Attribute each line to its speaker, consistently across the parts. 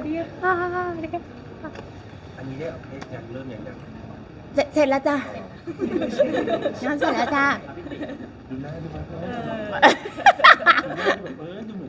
Speaker 1: ดีค่ะ
Speaker 2: อันนี้ได้ยังเริ่มยัง
Speaker 1: เสร็จแล้วจ้ะงานเสร็จแล้วจ้ะ
Speaker 2: ดูหน้าดูแบบดูเหมือน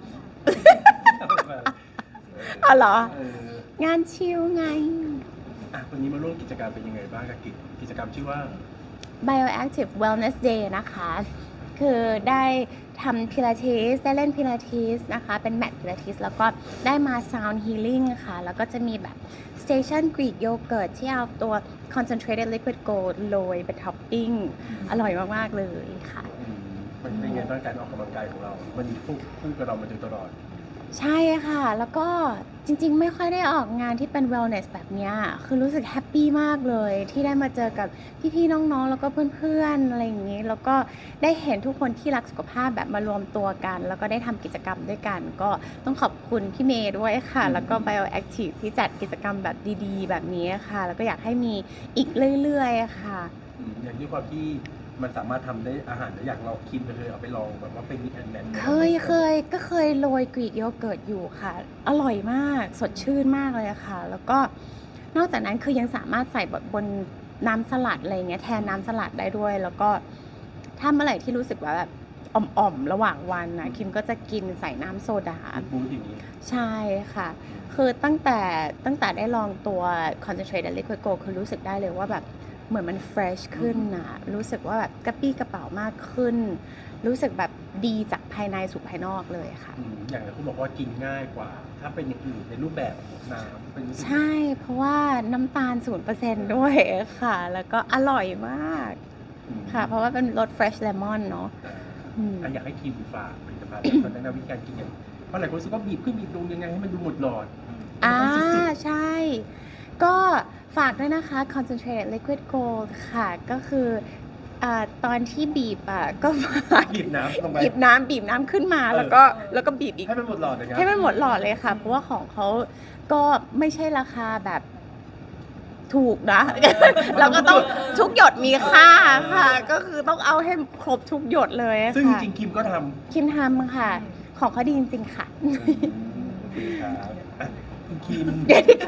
Speaker 1: อ๋อเหรอ งานชิลไง
Speaker 2: วันนี้มาร่วมกิจกรรมเป็นยังไงบ้างกับกิจกรรมชื่อว่า
Speaker 1: Bioactive Wellness Day นะคะ คือได้ทำพิลาทิสได้เล่นพิลาทิสนะคะ เป็นแมทพิลาทิสแล้วก็ได้มา Sound Healing ค่ะ แล้วก็จะมีแบบ Station Greek Yogurt ที่เอาตัว Concentrated Liquid Gold โรยเป็นท็อปปิ้งอร่อยมาก ๆ เลยค่ะ
Speaker 2: มันเป็นไงบ้างการออกกำลังกายของเรา มันคู่กับเรามาโดยตลอด
Speaker 1: ใช่ค่ะ แล้วก็จริงๆไม่ค่อยได้ออกงานที่เป็น wellness แบบเนี้ยคือรู้สึกแฮปปี้มากเลยที่ได้มาเจอกับพี่ๆน้องๆแล้วก็เพื่อนๆอะไรอย่างนี้แล้วก็ได้เห็นทุกคนที่รักสุขภาพแบบมารวมตัวกัน แล้วก็ได้ทำกิจกรรมด้วยกัน ก็ต้องขอบคุณพี่เมย์ด้วยค่ะ แล้วก็ Bioactive ที่จัดกิจกรรมแบบดีๆ แบบนี้ค่ะ แล้วก็อยากให้มีอีกเรื่อยๆค่ะ
Speaker 2: อย่างที่ความที่มันสามารถทำได้อาหารได้อย่างเราคิดไปเลยเอาไปลองแบบว่าเป็นมิกแอนแมน
Speaker 1: เคยโรยกรีกโยเกิร์ตอยู่ค่ะ อร่อยมากสดชื่นมากเลยอะค่ะ แล้วก็นอกจากนั้นคือยังสามารถใส่บนน้ำสลัดอะไรเงี้ยแทนน้ำสลัดได้ด้วย แล้วก็ถ้าเมื่อไหร่ที่รู้สึกว่าแบบอ่อมๆระหว่างวันนะคิมก็จะกินใส่น้ำโซดา
Speaker 2: บูธอย่างนี้
Speaker 1: ใช่ค่ะ คือตั้งแต่ได้ลองตัว concentrated liquid gold คือรู้สึกได้เลยว่าแบบเหมือนมัน fresh ขึ้นนะรู้สึกว่าแบบกระปี้กระเป๋ามากขึ้น รู้สึกแบบดีจากภายในสู่ภายนอกเลยค่ะ
Speaker 2: อย่างที่คุณบอกว่ากินง่ายกว่า ถ้าเป็นอย่างอื่นในรูปแบบน้ำเป็น
Speaker 1: ใช่ เพราะว่าน้ำตาล 0% ด้วยค่ะ แล้วก็อร่อยมากค่ะ เพราะว่าเป็นรส fresh lemon เนาะ
Speaker 2: อยากให้ทีมฝากผลิตภัณฑ์ตอนแนะนำวิธีการกินอย่างเพราะหลายคนรู้สึกว่าบีบขึ้นบีบลงยังไงให้มันดูหมดหลอด
Speaker 1: ใช่ ก็ฝากด้วยนะคะ concentrated liquid gold ค่ะ ก็คือตอนที่บีบก็
Speaker 2: บีบน้ำลงไป
Speaker 1: บีบน้ำขึ้นมาแล้วก็บีบอีก
Speaker 2: ให้มันหมดหลอดเลยครับ
Speaker 1: ให้มันหมดหลอดเลยค่ะ เพราะว่าของเขาก็ไม่ใช่ราคาแบบถูกนะ เราก็ต้องทุกหยดมีค่าค่ะ ก็คือต้องเอาให้ครบทุกหยดเลยค่ะ
Speaker 2: ซึ่งจริงๆคิมก็ท
Speaker 1: คิมทำค่ะ ของเขาดีจริงๆค่ะ
Speaker 2: ำครับคุณคิม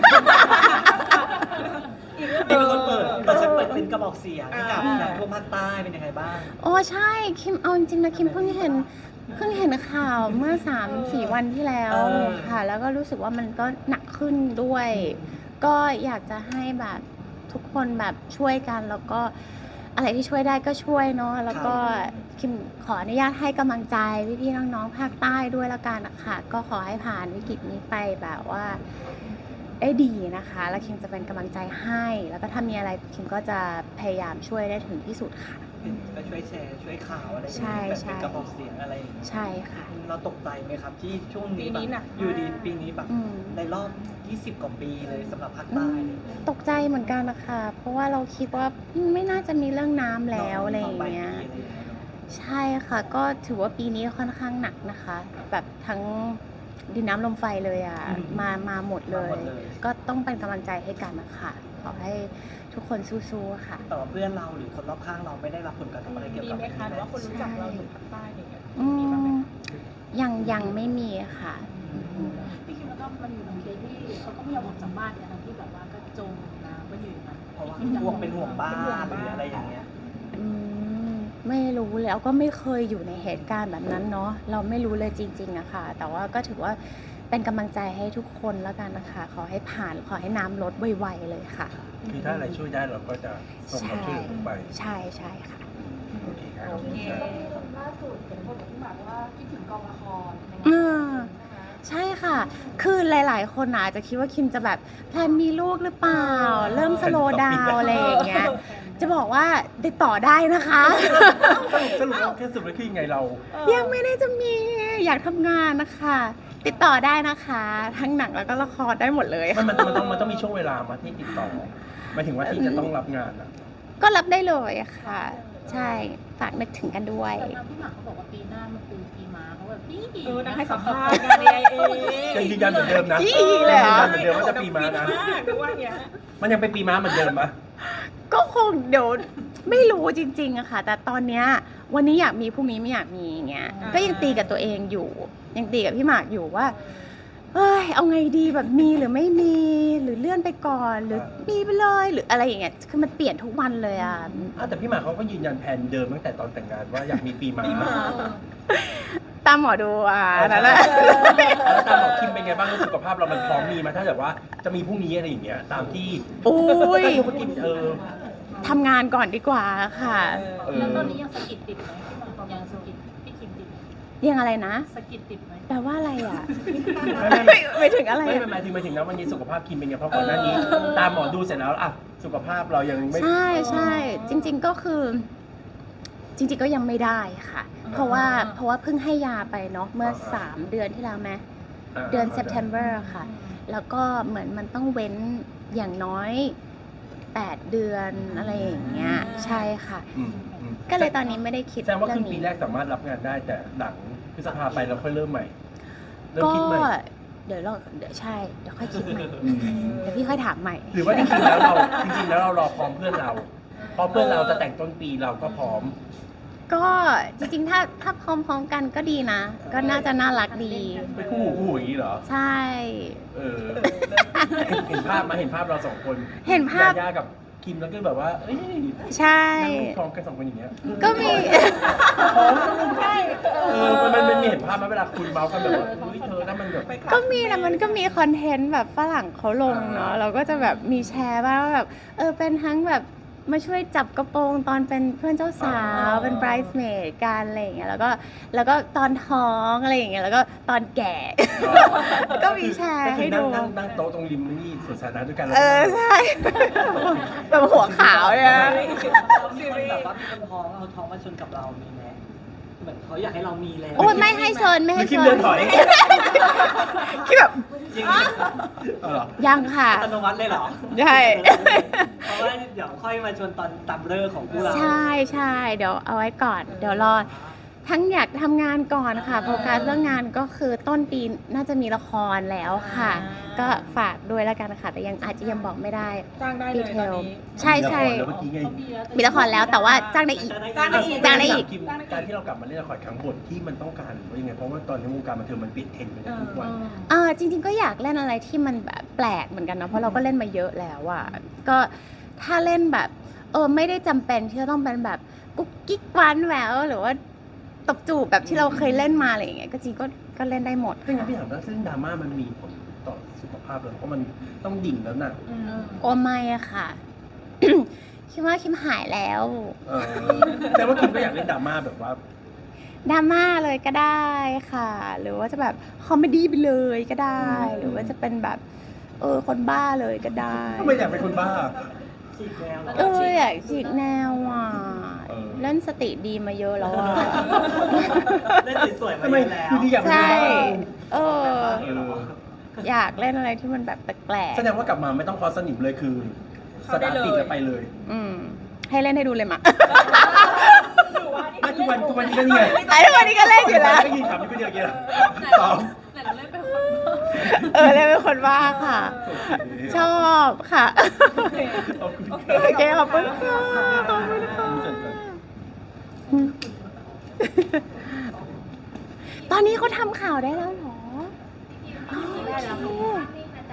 Speaker 3: เป็นคนเปิดแต่ฉันเปิดเป็นกระบอกเสียงให้กับน้ำท่วมภาคใต้เป็นยังไงบ้าง
Speaker 1: โอ้ใช่คิมเอาจริงๆนะคิมเพิ่งเห็นข่าวเมื่อ 3-4 วันที่แล้วค่ะ แล้วก็รู้สึกว่ามันก็หนักขึ้นด้วย ก็อยากจะให้แบบทุกคนแบบช่วยกันแล้วก็อะไรที่ช่วยได้ก็ช่วยเนาะแล้วก็คิมขออนุญาตให้กำลังใจพี่ๆน้องๆภาคใต้ด้วยละกันนะคะก็ขอให้ผ่านวิกฤตนี้ไปแบบว่าได้ดีนะคะ แล้วคิมจะเป็นกำลังใจให้แล้วก็ถ้ามีอะไรคิมก็จะพยายามช่วยได้ถึงที่สุดค่ะ
Speaker 3: ก็ช่วยแชร์ช่วยข่าวอะไรอย่าง
Speaker 1: ใช่
Speaker 3: เงี้ยแบบ
Speaker 1: ใช่
Speaker 3: เป็นกระบอกเสียงอะไรอย่างเงี้ย
Speaker 1: ใช่ค่ะ
Speaker 3: เราตกใจไหมครับที่ช่วงนี้
Speaker 4: ปีนี้หนักมาก
Speaker 3: อยู่ดีปีนี้แบบ
Speaker 1: อืม
Speaker 3: ในรอบ 20 กว่าปีเลยสำหรับภาคใต้เลย
Speaker 1: ตกใจเหมือนกันนะคะเพราะว่าเราคิดว่าไม่น่าจะมีเรื่องน้ำแล้วอะไรอย่างเงี้ย ใช่ค่ะก็ถือว่าปีนี้ค่อนข้างหนักนะคะ แบบทั้งดินน้ำลมไฟเลยอ่ะมาหมดเลย ก็ต้องเป็นกำลังใจให้กันนะคะขอให้ทุกคนสู้ๆค่ะ
Speaker 3: แต่ว่าเพื่อนเราหรือคนรอบข้างเราไม่ได้รับผลกระทบอะไรเกี่ยว
Speaker 4: มี
Speaker 3: กับ
Speaker 4: ไหมคะหรือว่าคนรู้จักเราอยู่ภาคใต้อะไรอย่างเงี้ย
Speaker 1: อื
Speaker 4: มีบ้างไหม
Speaker 1: มยังไม่มีค่ะ
Speaker 4: พี่คิดว่าก็มันอยู่ในเคสที่เขาก็ไม่ยอมออกจากบ้านเนี่ยทั้งที่แบบว่าก็จมน้ำก็อยู่อย่างนั้น
Speaker 3: เพราะว่าห่วงเป็นห่วงบ้านหรืออะไรอย่างเงี้ย
Speaker 1: ไม่รู้เลยเอาก็ไม่เคยอยู่ในเหตุการณ์แบบนั้นเนาะเราไม่รู้เลยจริงๆอะค่ะ แต่ว่าก็ถือว่าเป็นกำลังใจให้ทุกคนแล้วกันนะคะขอให้ผ่านขอให้น้ำลดไวๆเลยค่ะ
Speaker 2: คือถ้าอะไรช่วยได้เราก็จะส่งความช่วยเหลือลงไป
Speaker 1: ใช่ค่ะ
Speaker 2: โอเคครับ
Speaker 4: โอเค
Speaker 5: ล่าสุดเห็นคนบอกที่แบบว่าคิดถึงกองละครในงาน
Speaker 1: อ่า ใช่ค่ะ คือหลายๆ คนอาจจะคิดว่าคิมจะแบบแพลนมีลูกหรือเปล่า เริ่มสโลว์ดาวน์อะไรอย่างเงี้ย จะบอกว่าติดต่อได้นะคะ
Speaker 2: สรุปแล้วคือยังไงเรา
Speaker 1: ยังไม่ได้จะมีอยากทำงานนะคะ ติดต่อได้นะคะ ทั้งหนังแล้วก็ละครได้หมดเลย
Speaker 2: มัน
Speaker 1: ค่ะ
Speaker 2: ต้องมีช่วงเวลามาที่ติดต่อหมายถึงว่าที่จะต้องรับงานอะ
Speaker 1: ก็รับได้เลยค่ะ ใช่ฝากนึกถึงกันด้วย
Speaker 4: แต่ทางพี่หมากเขาบอกว่าปีหน้ามันคือปีม้าเขาแบบนี่
Speaker 5: นั่งให้สัมภาษณ์งาน AIA
Speaker 2: ยังยืนยันเหมือนเดิมนะ
Speaker 1: อีเลยเหรอ
Speaker 2: ยืนยันเหมือนเดิมว่าจะปีม้านะ
Speaker 5: หรือว่าอย่างเงี้ย
Speaker 2: มันยังเป็นปีม้าเหมือนเดิมปะ
Speaker 1: ก็คงเดี๋ยวไม่รู้จริงๆอะค่ะ แต่ตอนเนี้ยวันนี้อยากมีพรุ่งนี้ไม่อยากมีอย่างเงี้ย ก็ยังตีกับตัวเองอยู่ ยังตีกับพี่หมากอยู่ว่าเอ้ยเอาไงดีแบบมีหรือไม่มีหรือเลื่อนไปก่อนหรือมีไปเลยหรืออะไรอย่างเงี้ยคือมันเปลี่ยนทุกวันเลยอ่ะ
Speaker 2: แต่พี่หมากเขาก็ยืนยันแผนเดิมตั้งแต่ตอนแต่งงานว่าอยากมีปีม้า
Speaker 1: ตามหมอดูนั่นแหละ
Speaker 2: แล้วตามหมอคิมเป็นไงบ้างสุขภาพเรามันพร้อมมีมาถ้าแบบว่าจะมีพรุ่งนี้อะไรอย่างเงี้ยตามที่
Speaker 1: โอ้ย
Speaker 2: เมื่อกี้
Speaker 1: ทำงานก่อนดีกว่าค่ะ
Speaker 4: แล้วตอนนี้ยังสะกิดติดไหมพี่หมากยังสะกิดพี่คิมติดไหม
Speaker 1: ยังอะไรนะ
Speaker 4: สะกิดติดไหม
Speaker 1: แปลว่าอะไรอ่ะ
Speaker 2: ไม่
Speaker 1: ไม่ถึงอะไร
Speaker 2: ไม่
Speaker 1: อะ
Speaker 2: หมายถึงนะวันนี้สุขภาพคิมเป็นไงเพราะก่อนหน้านี้ ตามหมอดูเสร็จแล้วอ่ะสุขภาพเรายังไม่
Speaker 1: ใช่จริง ๆก็คือ จริง ๆก็ยังไม่ได้ค่ะ เพราะว่าเพิ่งให้ยาไปเนาะเมื่อ3 เดือนที่แล้วไหมเดือน September ค่ะ แล้วก็เหมือนมันต้องเว้นอย่างน้อย8 เดือนอะไรอย่างเงี้ยใช่ค่ะ ก็เลยตอนนี้ไม่ได้คิด
Speaker 2: แสดงว่า
Speaker 1: เรื่
Speaker 2: ค
Speaker 1: อ
Speaker 2: รึ่
Speaker 1: ง
Speaker 2: งปี
Speaker 1: นี้
Speaker 2: แรกสามารถรับงานได้แต่หลังพฤษภาไปเราค่อยเริ่มใหม่เริ่ม
Speaker 1: ก็
Speaker 2: คิดใหม่
Speaker 1: เดี๋ยวใช่เดี๋ยวค่อยคิดใหม่เดี๋ยวพี่ค่อยถามใหม่
Speaker 2: หรือว่าจริงๆแล้วเรารอพร้อมเพื่อนเราพอเพื่อนเราจะแต่งต้นปีเราก็พร้อม
Speaker 1: ก็จริงๆถ้าพร้อมๆกันก็ดีนะ ก็น่าจะน่ารักดี
Speaker 2: ไปคู่หูอย่างนี้เหรอ
Speaker 1: ใช่
Speaker 2: เห็นภาพมาเห็นภาพเราสองคน
Speaker 1: เห็นภาพ
Speaker 2: ยากับคิมแล้วก็แบบว่าเอ้ย
Speaker 1: ใช่
Speaker 2: นั่งรูปพร้อมกันสองคนอย่างเงี้ย
Speaker 1: ก็มี
Speaker 2: มันมีเห็นภาพไหมเวลาคุยเมาส์กันแบบว่าเฮ้ยเธอแล้วมันแบบ
Speaker 1: ก็มีนะมันก็มีคอนเทนต์แบบฝรั่งเขาลงเนาะเราก็จะแบบมีแชร์บ้างว่าแบบเป็นทั้งแบบมาช่วยจับกระโปรงตอนเป็นเพื่อนเจ้าสาวเป็น bridesmaid กันอะไรอย่างเงี้ยแล้วก็ตอนท้องอะไรอย่างเงี้ยแล้วก็ตอนแก่ ก็มีแชร์ให้ดู
Speaker 2: นั่งโต๊ะตรงริมนี่สวนสาธารณะด้วยกัน
Speaker 1: ใช่ แบบหัวขาวเนี่ยนะ
Speaker 3: มีคนแบบว่ามีคนท้องเอาท้องมาชนกับเรามีไหมเหมือนเขาอยากให้เรามีแล้ว
Speaker 1: โอ้ยไม่ให้เชิญไม่
Speaker 2: หรื
Speaker 1: ให้
Speaker 2: อคิ
Speaker 1: เชิ
Speaker 2: ม
Speaker 1: ญ
Speaker 2: เดินถอย
Speaker 1: คิดแบบ
Speaker 3: อย่างนี้
Speaker 2: เหรอ
Speaker 1: ยังค่ะ
Speaker 3: อัตโนมัติเลยเหรอ
Speaker 1: ใช่
Speaker 3: เพราะว่าเดี๋ยวค่อยมาชวนตอนตับเลิกของคู่เรา
Speaker 1: ใช่เดี๋ยวเอาไว้ก่อน เดี๋ยวรอทั้งอยากทำงานก่อนค่ะโฟกัสเรื่องงานก็คือต้นปีน่าจะมีละครแล้วค่ะ ก็ฝากด้วยแล้วกันค่ะแต่ยังอาจจะยังบอกไม่ได้
Speaker 5: จ้างได้เลยตอนนี้
Speaker 1: ใช่
Speaker 2: แล้วเมื่อกี้ไง
Speaker 1: มีละครแล้วแต่ว่าจ้างได้อีก จ้างได้อีก
Speaker 2: คิมการที่เรากลับมาเล่นละครครั้งบทที่มันต้องการหรือว่ายังไงเพราะว่าตอนนี้วงการบันเทิงมันเปลี่ยนเทรนด์ไปในทุกวัน
Speaker 1: จริง ๆ ก็อยากเล่นอะไรที่มันแบบแปลกเหมือนกันนะเพราะเราก็เล่นมาเยอะแล้วอะก็ถ้าเล่นแบบไม่ได้จำเป็นที่จะต้องเป็นแบบกุ๊กกิ๊กหวานแหววหรือว่าตบจูบแบบที่เราเคยเล่นมาอะไรอย่างเงี้ยก็จริงก็เล่นได้หมด
Speaker 2: ซึ่งพี่ถามว่าเรื่องดราม่ามันมีผลต่อสุขภาพเราเพราะมันต้องดิ่งแล้วน่ะ
Speaker 1: โอ้ไม่อะค่ะ คิดว่าคิมหายแล้ว
Speaker 2: แต่ว่าคิมก็อยากเล่นดราม่าแบบว่า
Speaker 1: ดราม่าเลยก็ได้ค่ะ หรือว่าจะแบบคอมเมดี้ไปเลยก็ได้ หรือว่าจะเป็นแบบคนบ้าเลยก็ได้
Speaker 2: ทำไมอยากเป็นคนบ้า
Speaker 3: ฉีกแนว
Speaker 1: อยากฉีกแนวอ่ะ เล่นสติดีมาเยอะแล้วอ่ะ
Speaker 3: เล่นสวยๆมา
Speaker 2: ทำไม
Speaker 3: เยอะแล้ว
Speaker 2: อยู่ดีอยากเป็น
Speaker 1: ใช่
Speaker 2: คนบ้า
Speaker 1: อยากเล่นอะไรที่มันแบบแปลก
Speaker 2: แสดงว่ากลับมาไม่ต้องคอสนิมเลยคือสตาร์ทติดแล้วไปเลย
Speaker 1: ๆให้เล่นให้ดูเลยมา
Speaker 2: ไม่ทุกวันนี้ก็นี่ไง
Speaker 1: ทุกวันนี้ก็เล่นอยู่แล้ว
Speaker 2: ก็ยินคำนี้ก็เดียวกันซ้อม
Speaker 4: แต่เราเล่นเป็นคน
Speaker 1: เล่นเป็นคนบ้าค่ะ ชอบค่ะ
Speaker 2: ขอบคุณ
Speaker 1: โอเคขอบคุณค่ะขอบคุณค่ะตอนนี้เขาทำข่าวได้แล้วเหรอโอเค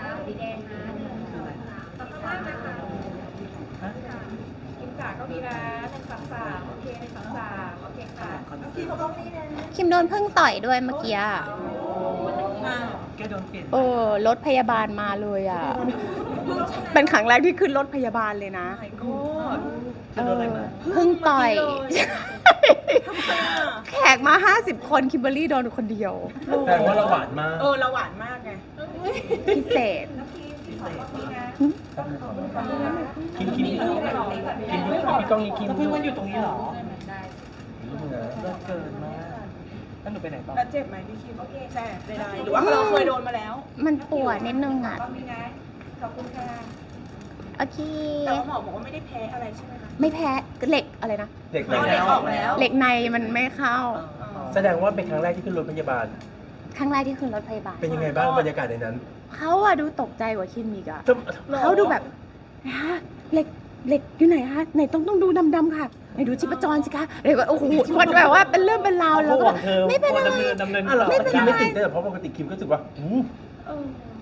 Speaker 5: กินกาก็มีนะ1 2 3โอเค1 2 3โอเคค่ะพี่เขาต้องนี่นะ
Speaker 1: คิมโดนพึ่งต่อยด้วยเมื่อกี้อะ
Speaker 3: แกโดนเปลี่ยน
Speaker 1: รถพยาบาลมาเลยอ่ะ เป็นครั้งแรกที่ขึ้นรถพยาบาลเลยนะ
Speaker 3: แกโดนอะไรมา
Speaker 1: พึ่งต่อย แขกมา 50 คนคิมเบอร์รี่โดนคนเดียว
Speaker 2: แต่ว่าเราหวานมาก
Speaker 5: เราหวานมากไง
Speaker 1: พิเศษ
Speaker 2: คิมพี่กล้องนี้คิม
Speaker 3: เพิ่งมันอยู่ตรงนี้เหรอเลิกเกินมากแล้วหนูไปไหนต่อ
Speaker 5: แล้วเจ็บไหมพี่คิมแสบใดๆหรือว่าเราเคยโดนมาแล้ว
Speaker 1: มันปวดนิดนึงอ่ะ
Speaker 5: ก็มีนะขอบคุณค่ะ
Speaker 1: โอเค
Speaker 5: แต่ว่าหมอบอกว่าไม่ได้แพ้อะไรใช่ไหมคะ
Speaker 1: ไม่แพ้เหล็กอะไรนะ
Speaker 2: เด็ก
Speaker 5: เอาเด็กออกแล้ว
Speaker 1: เหล็กในมันไม่เข้า
Speaker 2: แสดงว่าเป็นครั้งแรกที่ขึ้นรถพยาบาล
Speaker 1: ครั้งแรกที่ขึ้นรถพยาบาล
Speaker 2: เป็นยังไงบ้างบรรยากาศในนั้น
Speaker 1: เขาอะดูตกใจกว่าคิมอีกอะ เขาดูแบบฮะเหล็กอยู่ไหนฮะไหนต้องดูดำๆค่ะไหนดูชีพจรสิคะเลยว่าโอ้โหมันแบบว่าเป็นเรื่องเป็นราวแล้วก็แบบไม่เป็นอะไร
Speaker 3: ดำเนิน
Speaker 2: ไม่เป็นไรคิมไม่ติดได้เพราะปกติคิมก็รู้สึกว่า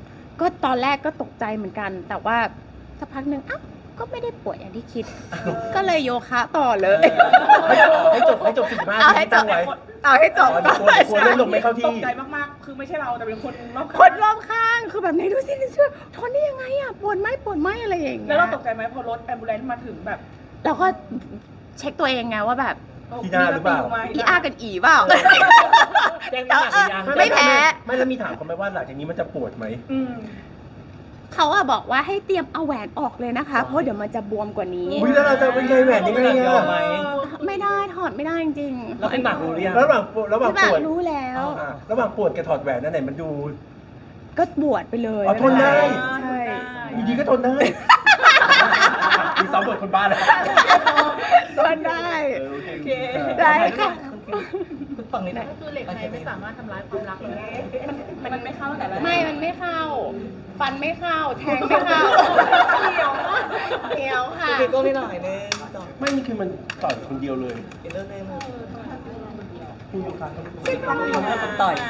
Speaker 1: ตอนแรกก็ตกใจเหมือนกัน แต่ว่าสักพักหนึ่งอ้าวก็ไม่ได้ปวดอย่างที่คิด ก็เลยโยคะต่อเลย
Speaker 2: ให้จบ45
Speaker 1: เอา
Speaker 2: นา
Speaker 1: ให้
Speaker 2: ที
Speaker 1: จ
Speaker 2: ตั้
Speaker 1: บ
Speaker 2: งไว้
Speaker 1: เอาให้จบ
Speaker 2: อ๋อเดี๋ยวกลัวเรื่องลงไม่เข้า
Speaker 5: ต
Speaker 2: ที่
Speaker 5: กใจมากๆ คือไม่ใช่เราแต่เป็นคนรอบ
Speaker 1: ค
Speaker 5: ข้าง
Speaker 1: นรอบข้างคือแบบไหนดูสิเชื่อทนได้ยังไงอ่ะปวดไหมอะไรอย่างเงี้ย
Speaker 5: แล้วเราตกใจไหมพอรถแอมบูเลนซ์มาถึงแบบ
Speaker 1: เราก็เช็คตัวเองไงว่าแบบ
Speaker 2: ที่หน้าหรือเปล่า
Speaker 1: อีอากันอีเปล่า
Speaker 3: แจ้งน้ำหนักหรือยัง
Speaker 1: ไม่แพ้
Speaker 2: ไม่แล้วมีถามเขาไหมว่าหลังจากนี้มันจะปวดไหม
Speaker 5: อืม
Speaker 1: เขาอะบอกว่าให้เตรียมเอาแหวนออกเลยนะคะ เพราะเดี๋ยวมันจะบวมกว่านี้
Speaker 2: อุ้ยแล้วเราจะเป็นไงแหวนยังไง
Speaker 3: เดี๋ยว
Speaker 2: อะ
Speaker 3: ไหม
Speaker 1: ไม่ได้ถอดไม่ได้จริง
Speaker 3: แล้วคุณหมากรู้หรือยัง
Speaker 2: ระหว่าง
Speaker 1: พี่หมา
Speaker 2: ปวด
Speaker 1: รู้แล้ว
Speaker 2: ระหว่างปวดกับถอดแหวนนั่นไหนมันดู
Speaker 1: ก็บวชไปเลย
Speaker 2: อ๋อทนได้
Speaker 1: ใช่
Speaker 2: อยู่ดีก็ทนได้มีซ้อมบทคนบ้าแล้ว
Speaker 1: ทนได้
Speaker 2: โอเค
Speaker 5: โอเค
Speaker 1: ได้ค่ะ
Speaker 3: คุณฟังนิดหน่อย
Speaker 4: คือเหล็กในไม่สามารถทำร้ายความรักเลย
Speaker 5: มันไม่เข้าแต่ละ
Speaker 1: มันไม่เข้า ฟันไม่เข้า แทงไม่เข้า
Speaker 5: เดียวมาก
Speaker 1: เดียวค่ะ
Speaker 3: โอเคก็ไม่หน่อยนึงต่อ
Speaker 2: ไม่นี่คือมันต่อยคนเดียวเลย
Speaker 3: อีกเรื่องนึง
Speaker 2: คุณลูกค้าเขา
Speaker 3: ทำให้คนต่อย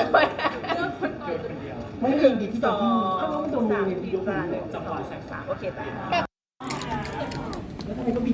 Speaker 2: ไม่ยิงดีที่
Speaker 5: ส
Speaker 2: โด
Speaker 5: อน
Speaker 2: ที่
Speaker 5: ง
Speaker 2: โดนมื
Speaker 5: สาม
Speaker 2: อที่โดนมือ
Speaker 5: 1 2 3 4 5โอเคจ้ะ
Speaker 2: แล้วทำไมก็บี